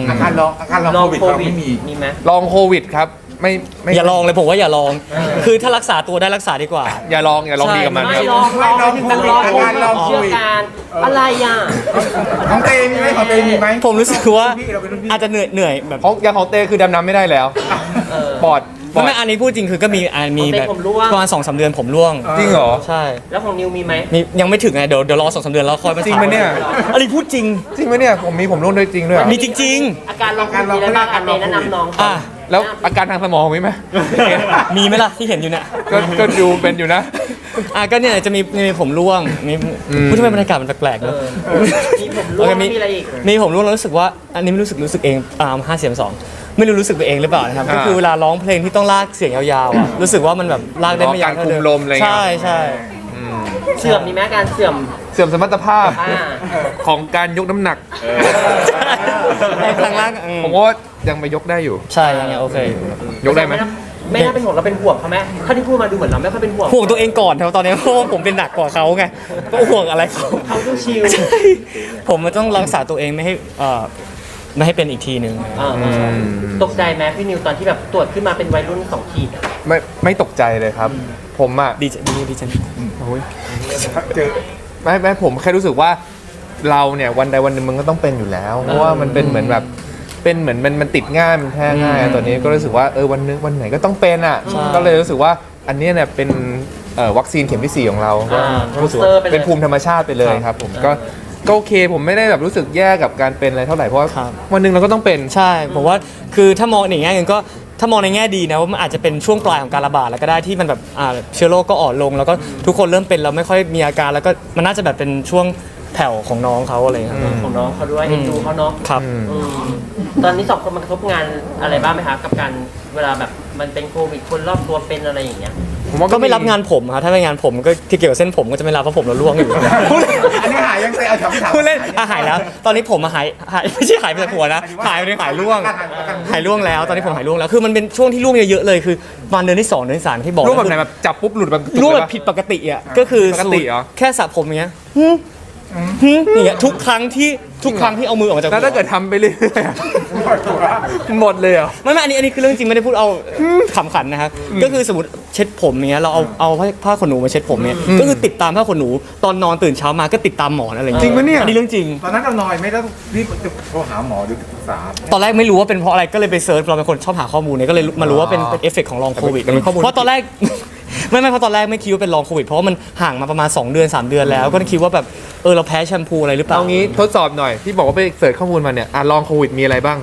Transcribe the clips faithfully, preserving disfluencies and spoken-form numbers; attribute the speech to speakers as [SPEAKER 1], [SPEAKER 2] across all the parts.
[SPEAKER 1] อาการลองอาการลอง
[SPEAKER 2] ลอง
[SPEAKER 1] โควิด
[SPEAKER 2] โค
[SPEAKER 1] เรา
[SPEAKER 2] วิด
[SPEAKER 1] ไม่มี
[SPEAKER 2] มีไหม
[SPEAKER 3] ลองโควิดครับไม่ไม่
[SPEAKER 4] อย่าลองเลยผมว่าอย่าลอง คือถ้ารักษาตัวได้รักษาดีกว่า
[SPEAKER 3] อย่าลองอย่าลองดีกับมันค
[SPEAKER 2] ไม่
[SPEAKER 3] รับ
[SPEAKER 2] ลองลองลองแต่ลองโควิด
[SPEAKER 1] ลองโค
[SPEAKER 2] เชื่อ
[SPEAKER 1] วิด
[SPEAKER 2] การอะไรอ่ะ
[SPEAKER 1] ของเตมีไหมของเตมีไหม
[SPEAKER 4] ผมรู้สึกว่า
[SPEAKER 1] เราเป็นรุ่นพี่
[SPEAKER 4] อาจจะเหนื่อยเหนื่อยแบบ
[SPEAKER 3] ของอย่างของเต้คือดำน้ำไม่ได้แล้ว
[SPEAKER 2] เออ
[SPEAKER 3] ปอดปอ
[SPEAKER 4] ไม่
[SPEAKER 3] ด
[SPEAKER 4] ไม่อันนี้พูดจริงคือก็มีอันมี
[SPEAKER 2] ของเต้
[SPEAKER 4] แบบ
[SPEAKER 2] ผมร่วง
[SPEAKER 4] ประมาณสองสามเดือนผมร่วง
[SPEAKER 3] จริงเหรอ
[SPEAKER 4] ใช่
[SPEAKER 2] แล้วของนิวมีไหม
[SPEAKER 4] มียังไม่ถึงไงเดี๋ยวเดี๋ยวรอสองสามเดือนแล้วค่อยมา
[SPEAKER 3] จริงปะเนี่ย
[SPEAKER 4] อันนี้พูดจริง
[SPEAKER 3] จริงไหมเนี่ยผมมีผมร่วงด้วยจริงด้วยเหรอ
[SPEAKER 4] มีจริง
[SPEAKER 2] อาการลองโควิดมีอะไรบ้างอันเนแนะนำน้อง
[SPEAKER 4] ๆ อ่ะ
[SPEAKER 3] แล้วอาการทางสมองมีไหม
[SPEAKER 4] มีไหมล่ะที่เห็นอยู่เนี่ย
[SPEAKER 3] ก็ก็ดูเป็นอยู่นะ
[SPEAKER 4] อ่ะก็เนี่ยจะมีมีผมร่วงมี
[SPEAKER 3] อืม
[SPEAKER 4] พูดทำไมบรรยากาศมันแปลกๆ
[SPEAKER 2] เอ
[SPEAKER 4] เนอะ
[SPEAKER 2] อมีผมร่วง
[SPEAKER 4] โอเคมี
[SPEAKER 2] มีอะไรอีก
[SPEAKER 4] มีผมร่วงแล้วรู้สึกว่าอันนี้ไม่รู้สึกรู้สึกเองอ่าห้าเสียงสองไม่รู้รู้สึกไปเองหรือเปล่านะครับ
[SPEAKER 3] อ่า
[SPEAKER 4] ก็คือเวลาร้องเพลงที่ต้องลากเสียงยาวๆอ่ะรู้สึกว่ามันแบบลากได้ไม่ยาว
[SPEAKER 3] การคุมลมอะไรเงี้ย
[SPEAKER 4] ใช่ใช่
[SPEAKER 3] อืม
[SPEAKER 2] เสื่อมมีไหมอาการเสื่อม
[SPEAKER 3] เสื่อมสมรรถภาพ
[SPEAKER 2] อ่า
[SPEAKER 3] ของการยกน้ำหนัก
[SPEAKER 4] ในทางล่างอืม
[SPEAKER 3] ผมว่ายังไปยกได้อยู่
[SPEAKER 4] ใช่ยังไงโอเค
[SPEAKER 3] ยกได้ไหม
[SPEAKER 2] ไม่น่าเป็นห่วงเราเป็นห่วงเขาไหมถ้าที่พูดมาดูเหมือนเราไม่ค่อยเป็นห่วง
[SPEAKER 4] ห่วงตัวเองก่อนครับตอนนี้เพราะว่าผมเป็นหนักกว่าเขาไงก็ห่วงอะไรเขา
[SPEAKER 2] เขาดูชิล
[SPEAKER 4] ใช่ผมมันต้องรักษาตัวเองไม่ให้เอ่อไม่ให้เป็นอีกทีหนึ่ง
[SPEAKER 2] อ่าตกใจไหมพี่นิวตอนที่แบบตรวจขึ้นมาเป็นวัยรุ่นสองขีดอะ
[SPEAKER 3] ไม่ไม่ตกใจเลยครับ ผมอ่ะ
[SPEAKER 4] ดีใจดีดีใจ
[SPEAKER 3] โอ้ย
[SPEAKER 1] เจอ
[SPEAKER 3] ไม่ไม่ผมแค่รู้สึกว่าเราเนี่ยวันใดวันหนึ่งมันก็ต้องเป็นอยู่แล้ว เพราะว่ามันเป็นเหมือนแบบเป็นเหมือนมันมันติดง่ายมันแพร่ง่ายอะตอนนี้ก็รู้สึกว่าเออวันนึงวันไหนก็ต้องเป็นอ่ะก็เลยรู้สึกว่าอันเนี้ยเนี่ยเป็นเอ่อวัคซีนเข็มที่สี่ของเราก็
[SPEAKER 2] อ่า
[SPEAKER 3] รู้สึกว่าเป็นภูมิธรรมชาติไปเลยครับผมก็ก็โอเคผมไม่ได้แบบรู้สึกแย่กับการเป็นอะไรเท่าไหร่เพราะว่าวันหนึ่งเราก็ต้องเป็น
[SPEAKER 4] ใช่ผมว่าคือถ้ามองในแง่หนึงก็ถ้ามองในแง่ดีนะว่ามันอาจจะเป็นช่วงปลายของการระบาดแล้วก็ได้ที่มันแบบอ่าเชื้อโรคก็อ่อนลง แล้วก็ทุกคนเริ่มเป็นแล้วไม่ค่อยมีอาการแล้วก็มันน่าจะแบบเป็นช่วงแผ่วของน้องเขาอะไรอย่างเงี้ยครับ
[SPEAKER 2] ของน้องเขาด้วยเอ็นดูเขาเนาะ
[SPEAKER 4] ครับ
[SPEAKER 3] อืม
[SPEAKER 2] อืมตอนนี้สองคนมันกระทบงานอะไรบ้างไหมคะกับการเวลาแบบมันเป็นโควิดคนรอบตัวเป็นอะไรอย่างเงี้ย
[SPEAKER 3] ผมว่า
[SPEAKER 4] ก็ไม่รับงานผมครับถ้าไม่งานผมก็ที่เกี่ยวกับเส้นผมก็จะไม่รับเพราะผมเราล่วงอยู่ พูดเล่น
[SPEAKER 1] อันนี้หายยังเตเอาถามถาม
[SPEAKER 4] พูดเล่นอ่ะหายแล้ว ตอนนี้ผมมาหายหายไม่ใช่หายไปจากหัวนะหายไปหายร่วงหายร่วงแล้วตอนนี้ผมหายร่วงแล้วคือมันเป็นช่วงที่ร่วงเยอะๆเลยคือประมาณเดือนที่สองเดือนที่สามที่บอก
[SPEAKER 3] รูปแบบไหนแบบจับปุ๊บหลุดแบบ
[SPEAKER 4] ร่วงแบบผิดปกติอ่ะก็คือ
[SPEAKER 3] ปกติเหรอ
[SPEAKER 4] แค่สระผมอย่างเงี้ยหึหึอย่างเงี้ยทุกครั้งที่ทุกครั้งที่เอามือออกมาจาก
[SPEAKER 3] แล้วถ้าเกิดทำไปเรื่อยๆอะหมดเลยเหรอ
[SPEAKER 4] ไม่ไม่อันนี้อันนี้คือเรื่องจริงไม่ได้พูดเอาขำขันนะครับก็คือสมมติเช็ดผมอย่างเงี้ยเราเอาเอาผ้าผ้าขนหนูมาเช็ดผมเนี่ยก็คือติดตามผ้าขนหนูตอนนอนตื่นเช้ามาก็ติดตามหมอนอะไรอย่าง
[SPEAKER 3] จริ
[SPEAKER 4] เงี้ย
[SPEAKER 3] งปะเนี่ย
[SPEAKER 4] อันนี้เรื่องจริง
[SPEAKER 1] ตอนนั้นเราหน่อยไม่ต้องรีบโทรหาหมอหรือปรึกษา
[SPEAKER 4] ตอนแรกไม่รู้ว่าเป็นเพราะอะไรก็เลยไปเซิร์ชเราเป็นคนชอบหาข้อมูลเนี่ยก็เลยมารู้ว่าเป็นเป็นเอฟเฟกต์ของลองโควิด
[SPEAKER 3] แต่เป็นข้อมูล
[SPEAKER 4] เพราะตอนแรก ไม่ไม่เพราะตอนแรกไม่คิดว่าเป็นลองโควิดเพราะว่ามันห่างมาประมาณสองเดือนสามเดือนแล้ว ก็คิดว่าแบบเออเราแพ้แชมพูอะไรหรือเปล่า
[SPEAKER 3] เอางี้ทดสอบหน่อยที่บอกว่าไปเสิร์ชข้อมูลมาเนี่ยอ่ะลองโควิดมีอะไรบ้าง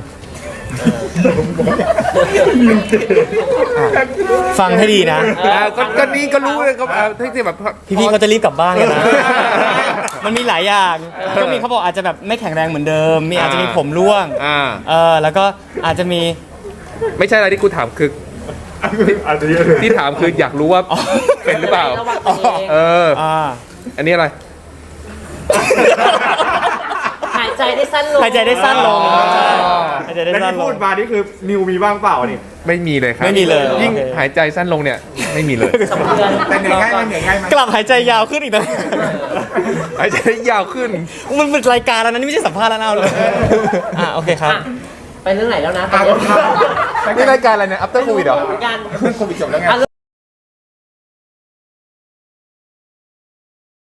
[SPEAKER 4] ฟังให้ดีนะ
[SPEAKER 3] อ่ะก็ก็นี่ก็รู้เลยก็อ่ะที่แบบ
[SPEAKER 4] พี่ๆเขาจะรีบกลับบ้านกันนะ มันมีหลายอย่างก็มีเขาบอกอาจจะแบบไม่แข็งแรงเหมือนเดิม มีอาจจะมีผมร่วง
[SPEAKER 3] อ่า
[SPEAKER 4] เออแล้วก็อาจจะมี
[SPEAKER 3] ไม่ใช่อะไรที่กูถามคือที่ถามคืออยากรู้ว่าเป็นหรือเปล่า
[SPEAKER 2] ระวังตัวเอง
[SPEAKER 3] เออ
[SPEAKER 4] อ่า
[SPEAKER 3] อันนี้อะไร
[SPEAKER 2] หายใจได้สั้นลง
[SPEAKER 4] หายใจได้สั้นลง
[SPEAKER 3] อ๋อ
[SPEAKER 4] ใช่หายใจได้
[SPEAKER 1] แล้ว
[SPEAKER 4] สั้น
[SPEAKER 1] ที่
[SPEAKER 4] ล
[SPEAKER 1] พู
[SPEAKER 4] ง
[SPEAKER 1] ดมานี่คือนิวมีบ้างเปล่านี่
[SPEAKER 3] ไม่มีเลยครับ
[SPEAKER 4] ไม่มีเลย
[SPEAKER 3] ยิ่ง
[SPEAKER 4] โอเค
[SPEAKER 3] หายใจสั้นลงเนี่ยไม่มีเลย
[SPEAKER 2] สองเดือน
[SPEAKER 1] แต่เหนื่อยง่ายไหมเหนื่อยง่ายไหม
[SPEAKER 4] กลับหายใจยาวขึ้นอีกนะ
[SPEAKER 3] หายใจยาวขึ้น
[SPEAKER 4] มันเป็นรายการแล้วนะนี่ไม่ใช่สัมภาษณ์แล้วนะเอาเลยอ่ะโอเคครับ
[SPEAKER 2] อ่ะไปเรื่องไหนแล้วนะตอ
[SPEAKER 1] อ่ะ
[SPEAKER 2] นนี้
[SPEAKER 3] นี่รายการอะไรเนี่ย after covid เหรอ
[SPEAKER 2] การ
[SPEAKER 1] เรื่องโควิดจบแล้วไง
[SPEAKER 2] อ่ะ